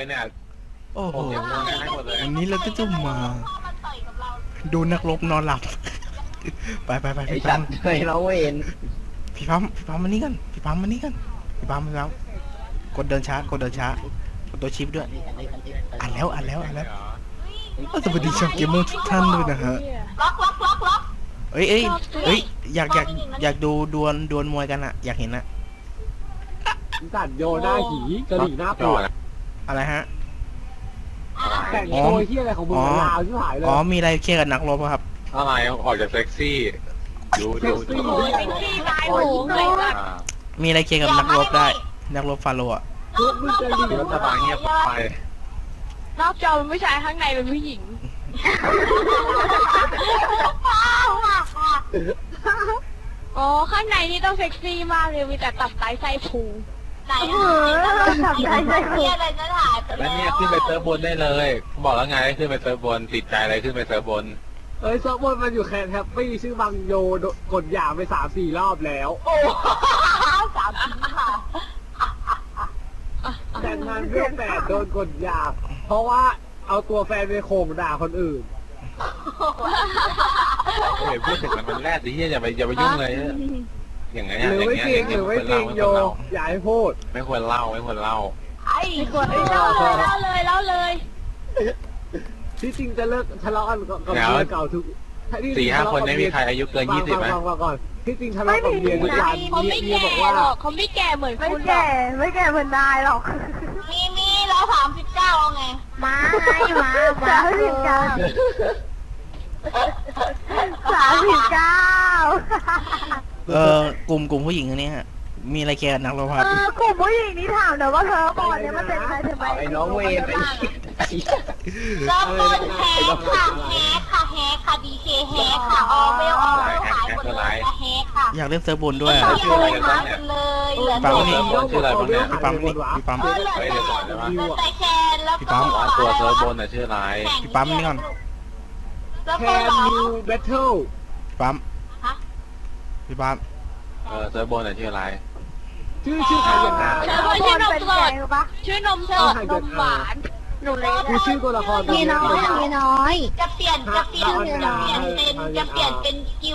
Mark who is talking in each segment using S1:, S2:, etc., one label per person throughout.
S1: เลยเนี่ย
S2: โอ้โห
S1: ผมยังมองให้หมดเลย
S2: วันนี้เราก็จะมาดูนักรบนอนหลับ ไป
S3: ไอ้
S2: พี่
S3: สั
S2: ปั๊
S3: ต
S2: ม
S3: ว์เคยเราเห็น
S2: พี่ปั๊มมานี่กันพี่ปั๊มกดเดินช้ากดตัวชิปด้วยอ่านแล้วสวัสดีชาวเกมเมอร์ทุกท่านด้วยนะฮะ
S4: ล็อก
S2: เอ้ยอยากดูดวลมวยกันอะอยากเห็นอะ
S5: สัตว์โยหน้าหีกระดิ่งหน้าปวด
S2: อะไรฮะ
S5: แต่งโชยที่อะไรของมึงลาวที่หายเลย
S2: อ๋อมีอะไรเคลียร์กับนักรบครับ
S1: อะไรออกจากเซ็กซี่ดู
S5: เซ็กซี่
S4: โอ้ยเป็นที่ตายหมูเลยว่ะ
S2: มีอะไรเคลียร์กับนักรบได้ นักรบฟาโรห์อะ
S5: ทุกมึงกระดิ่ง
S1: รัฐบาลเงียบไป
S4: นอกจอเป็นผู้ชายข้างในเป็นผู้หญิงโอ้ข้างในนี่ต้องเซ็กซี่มากเลยมีแต่ตับไตไส้พุงไหนตับไตไส้พุงอะไรจะถ่ายไป
S1: แล้ว
S4: แล้
S1: เนี่ยว ขึ้นไปเซิร์ฟบนได้เลย บอกแล้วไงให้ขึ้นไปเซิร์ฟบนติดใจอะไรขึ้นไปเซิร์ฟบน
S5: เอ้ยซับบนมันอยู่แคนแฮปปี้ชื่อบังโยกดหยาบไป3-4 รอบแล้ว
S4: โอ้สามชิ้นค่ะ
S5: แต่งงานเรื่องแปดโดนกดหยาบเพราะว่าเอาตัวแฟนไปโข่มด่าคนอื่น
S1: เฮ้ยพูดถึงมันแรดดิอย่าไปยุ่งเลยอย่างเงี้ย
S5: หรือไม่จริงหรือไม่จริงโยอย่าให้พูด
S1: ไม่ควรเล่า
S4: ไอ้คนเล่าเลย
S5: ที่จริงจะเลิกทะเลาะกันกับเมียเก่าทุก
S1: 4-5 คนไม่มีใครอายุเกิน20ไหม
S5: ฟังก่อนที่จริงทะเลาะกับเมียทุกวัน
S4: เขาไม่
S5: เมีย
S4: แก่
S5: บอกว่า
S4: หรอกเขาไม่แก่เหมือนคุณหรอก
S6: ไม่แก่เหมือนนายหรอก
S4: มีเรา39ไง
S6: มาไงมา39
S2: กลุ่มผู้หญิงอันนี้ฮะมีอะไรเคลียร์กับนักรบครับ
S6: กลุ่มผู้หญิงนี่ถามเดี๋ยวว่าเธอก่อนเนี่ยมันเป็นใครถึงไป
S3: ไอ้น้องเวรไอ้
S4: เริ่มต้นแฮกค่ะดีเคแฮกค่ะออเวลขายหมดเลยแฮกค่ะ
S2: อยากเล่นเซิร์ฟบนด้วย
S4: โก
S2: อะ
S4: งมากันเลยเหลือ
S2: ปั๊ม
S4: แต่
S2: นี่
S1: ชื่ออะไรบ้างเนี่ย
S2: พี่ปั๊มนี่พี่ปั๊ม
S4: เหลือแต่แคนแล้วก็
S1: ตัวเซิร์ฟบนชื่ออะไร
S2: พี่ปั๊มนี่ก่อน
S4: แล้ว
S5: แค
S4: ก็
S5: น
S4: หรอ
S5: นิวแบทเทิล
S2: พี่ปั๊มพี่ปั๊ม
S1: เซิร์ฟบนชื่ออะไร
S5: ชื่อใครกันนะ
S4: เธอว่าชื่อนมสดชื่อนมสดนมหวาน
S6: หนูเลย
S5: คือชื่อตัวละคร
S6: มีน้อย
S4: จะเปลี่ยนเป็น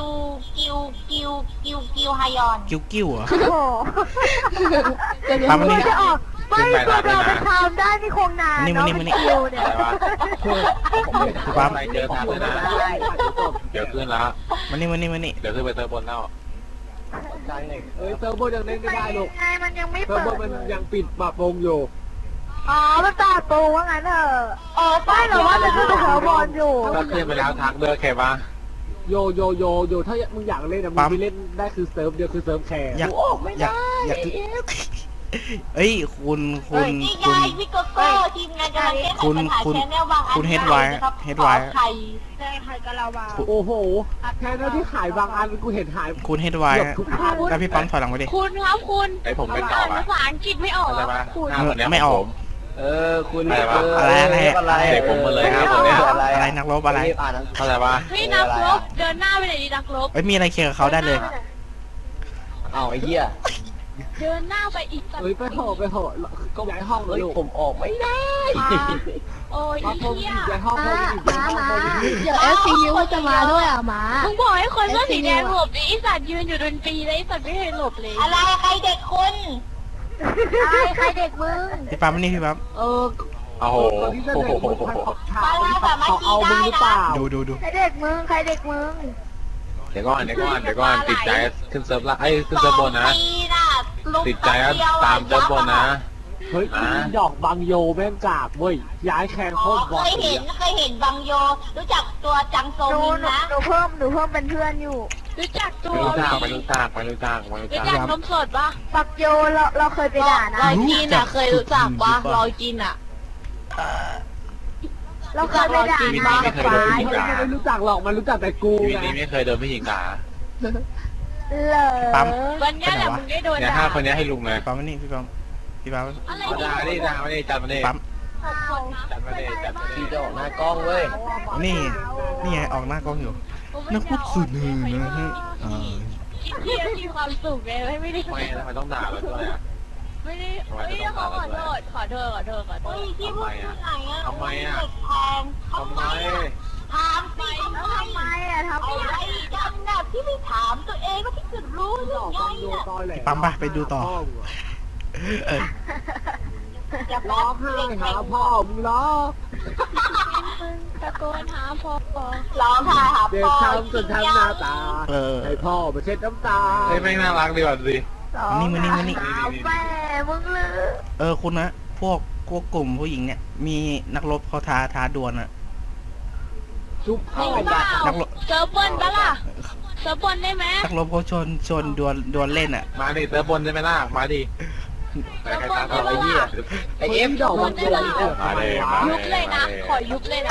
S4: กิวไฮยอน
S2: กิ้วเหรอ
S6: โอ้โห
S2: ปั๊มนี่
S6: จะออกไม่ตัวเราไปทำได้นี่คงนาน
S2: นี่
S6: เนาะ
S2: นี่
S6: ไม่คิวเนี่ย
S2: พี่ปั๊ม
S1: ใครเจอทันเลยนะเดี๋ยวขึ้นแล้ว
S2: มานี่
S1: เดี๋ยวขึ้นไปเซิร์ฟบนแล้ว
S5: เอ้ยเซิร์ฟเวอร์ยังเล่นไม่ได้ลูก
S6: ไงมันยังไม่
S5: เซิร์ฟ
S6: เปิ
S5: เวอ
S6: ด
S5: ร์มันยังปิดปรับปรุงอยู่
S6: อ๋อมันต่อตูว่างั้นเถอะไม่หรอว่าจะขึ้นไปเทอร์บอลอยู่
S1: ก็ขึ้นไปแล้วทักด้วยโอเคปะ
S5: โยถ้ามึงอยากเล่นนะมึงไปเล่นได้คือเซิร์ฟเดียวคือเซิร์ฟแคร์
S2: อยากเอ้ยคุณ
S4: นี่ไงพี่โกโก้ทีมงานกำลังเล่นแชนแนลบางอัน
S2: เฮดไว
S6: ใช่ใครก็เราวา
S5: โอ้โหแค่นั้นที่ขายบางอันกูเห็นหาย
S2: คุณเฮดไว
S5: เกือบทุกอัน
S2: แล้วพี่ปั๊มถอยหลังไปดิ
S4: คุณครับคุณ
S1: ไอผมเป็นต่อ
S4: ภาษาอังกฤษไม่ออก
S1: อะไรปะ
S4: คุณ
S2: ไม่ออก
S3: คุณ
S2: อะไร
S1: เด็กผมมาเลยครับผมเนี่ย
S2: อะไรนักรบอะไร
S1: เข้าใจปะ
S4: เฮ้ยนักรบเดินหน้าไปไหนดีนักรบ
S2: เอ้ยมีอะไรเคลียร์กับเขาได้เลย
S3: เอาไอ้เหี้ย
S4: เดินหน้าไปอีกสัก
S5: เฮ้ยไปเหอะก็ย้ายห้องเล
S3: เฮ้
S5: ย
S3: ย
S5: ลูก
S3: ผมออกไม่ได้
S4: โอ้ย
S5: มาพง
S4: เฮีย
S5: ย้ายห้องเลยย้ายห้องเลย
S6: เดี๋ยวFCU จะมาด้วยอ่ะหมา
S4: มึงบอกให้คนเสื้อสีแดงหลบดิไอสัตว์ยืนอยู่ดนตรีแล้วไอสัตว์ไม่เคยหลบเลยอะไรใครเด็กคุณ
S6: ใครเด็กมึง
S2: พี่ปั๊มนี่พี่ปั๊ม
S5: โอ้โหที่เสนอมึงเขาเอามึงหรือเปล่า
S2: ดู
S6: ใครเด็กมึงใครเด็กมึง
S1: เดี๋ยวก่อนติดใจขึ้นเซิร์ฟละขึ้นเซิร์ฟบนนะติดใจตามเซิร์ฟบนนะ
S5: เฮ้ยดอกบางโยแม่งกากเว้ยย้ายแคนโคตรบอ
S4: เค
S5: ล
S4: ยเห็นบางโยรู้จักตัวจังโซ
S6: หนู
S4: มินนะ
S6: เพิ่มเป็นเพื่อนอยู่
S4: รู้จักตัว
S1: ไม่รู้จัก
S4: รู้จักนมสดปะ
S6: ปักโยเราเคยไปด่านะ
S4: รอยกินอ่ะเคยรู้จักปะรอยกินอ่ะ
S6: เราเคยไปด่านะ
S5: ไม่รู้จักหรอกมันรู้จักแต่กู
S1: ชีวิต
S5: ไง
S1: นี้ไม่เคยโดนผู้หญิงด่า
S6: เหรอ
S2: ปั๊ม
S4: วันนี้แหละมึงได้โดน
S1: เนี่ย
S4: ด่า
S1: 5 คนนี้ให้ลุงเลย
S2: พี่ปั๊มนี่พี่ปั๊ม
S4: อะไร
S1: ด่ามาดิจัดมาดิ
S2: ปั๊ม
S1: จัดมาดิ
S3: พี่จะออกหน้ากล้องเว้ย
S2: นี่ไงออกหน้ากล้องอยู่นักพูดสุดเลยนะฮะ
S4: คิดเพี้ยนมีความสุขเลยไม่ได้
S1: ทำไมต้องด่าเราด้วยอ่ะ
S4: ไม่ได้เฮ้ยขอโทษขอโทษขอโทษขอโทษ
S1: ทำไมอ่ะทำไมอ่ะทำไม
S6: ถามสิทำไมอ่ะทำไมอะไรกันน่ะพี่ไม่ถามตัวเองว่าพี่จะรู้หรือไง
S5: ดู
S6: น่ะ
S5: ตอยแหละ
S2: ปั๊มไปไปดูต่อ
S6: อย่า
S5: ร้องไห้หาพ่อมึงร้อง
S4: ตะโกนหาพ่อ
S6: ร้องไห้หา
S5: เด็ก
S6: พ่อ
S5: ทำจนทำหน้าตา
S2: เออ
S5: ให้พ่อมาเช็ดน้ำตา
S1: เฮ้ยแม่งน่ารักดีว่ะสิ
S2: นี่มานี่มานี่
S6: แม่มึงเลย
S2: คุณนะพวกกลุ่มผู้หญิงเนี่ย มีนักรบเขาท้าดวลอะ
S5: ชุบ
S4: จ
S5: เข้า
S4: ริงเปล่าเซิร์ฟบนปะล่ะเซิร์ฟบนได้ไหม
S2: นักรบเขาชวนดวลเล่นอะ
S1: มาดิเติร์ฟบนได้ไหมล่ะมาดิแต่ใครตามต่อไอ้เหี้ย
S3: ไอเอฟ
S5: ดอกมันเกิดเกิด
S1: มาเลย
S4: ยุบเลยนะขอยุบเลยนะ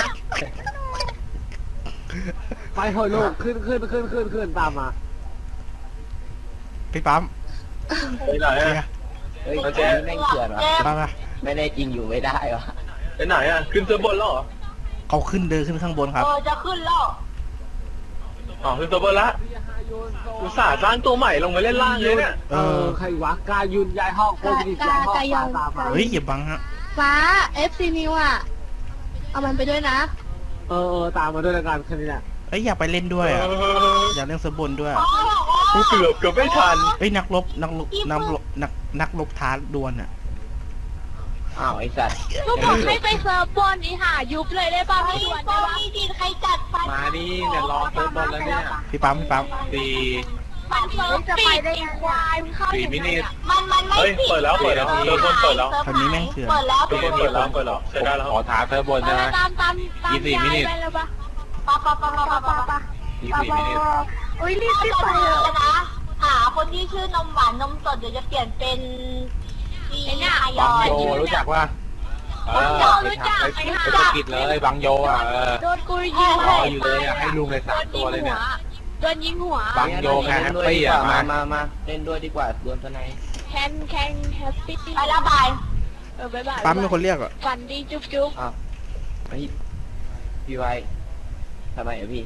S5: ไปเถอะลูกขึ้นตามมา
S2: พี่ปั๊ม
S1: ไปไหน
S2: เคลี
S1: อ่ะ
S2: ยร์
S3: เฮ้ยคนนี้แม่งเถื่อนวะ
S2: ปั๊มมา
S3: ไม่ได้จริงอยู่ไม่ได้วะ
S1: ไปไหนอ่ะขึ้นเติร์ฟบนแล้วเหรอ
S2: เขาเดินขึ้นข้างบนครับ
S6: จะขึ้นแล้ว
S1: อ๋อขึ้นเติร์ฟบนละอุตส่าห์สร้างตัวใหม่ลงมาเล่นล่างเลยเนี่ย
S5: ใครวะกายุนย้ายห้องคนดีย้ายห้องตามมา
S2: เฮ้ยอย่าบังฮะ
S6: ฟ้า FC New อ่ะเอามันไปด้วยนะ
S5: ตามมาด้วยกันแค่นี้แหละ
S2: เอ้ยอยากไปเล่นด้วยอะอยากเล่นเซิร์ฟบนด้วยอะ
S1: กูเกือบไม่ทัน
S2: เอ้ยนักรบท้าดวลอะ
S3: อ้าวไอสัตว์
S4: ก็บอกให้ไปเซิร์ฟบนนี่หายุบเลยได้ป่ะไม่ด่วนได้ป่ะ
S6: ดินใครจัดไฟ
S1: มาดิเนี่ยรอเติร์ฟบนแล้วเนี่ย
S2: พี่ปั๊ม
S1: สี่
S4: มันเซิร์ฟปิดอีควายมึงเข้า
S1: สี่
S4: ยัง
S1: มิ
S4: ไง
S1: นิ
S4: อะ
S6: มันไม่
S1: เฮ้ยเปิดแล้วเปิดแล้วเติร์ฟบนเปิดแล้ว
S2: คราวนี้แม่งเถื่อน
S6: เปิดแล้ว
S1: เติร์ฟบนเปิดแล้วใช้ได้แล้วขอท้าเติร์ฟบนใช่ไหม
S4: ตาม
S1: ยี่สิบ
S4: ยา
S1: มิ
S4: ย
S1: นิ
S4: ไปแล้วป่ะ
S6: ปะปะ
S1: ยี่สิบมินิ
S6: อุ้ยรีบไปเลยนะหาคนที่ชื่อนมหวานนมสดเดี๋ยวจะเปลี่ยนเป็นจีนาย
S1: บัง
S6: อย
S1: โยรู้จักป่ะไปสกิดเลยบังโยอ่ะ
S4: โดนกูยิง
S1: รออยู่เลยอ่ะให้ลุงเลย3ตัวเลยเนี่ย
S4: โดนยิงหัว
S1: บังโยแค่แฮปปี้อ่ะ
S3: มาเล่นด้วยดีกว่าดวลทนาย
S4: แคนแฮปปี้
S6: ไปแล้วบาย
S4: บ๊ายบาย
S2: ปั๊มเป็นคนเรียกอะ
S4: ฝันดีจุ๊บ
S3: อ้าวไอพี่ไว้ทำไมอ่ะพี่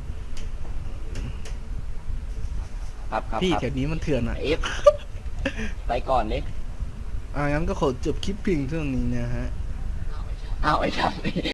S3: ครับ
S2: พี่แถวนี้มันเถื่อนอะ
S3: เอฟไปก่อนดิ
S2: งั้นก็ขอจบคลิปเพียงเท่านี้นะฮะ
S3: อ้าวไอ้สัตว์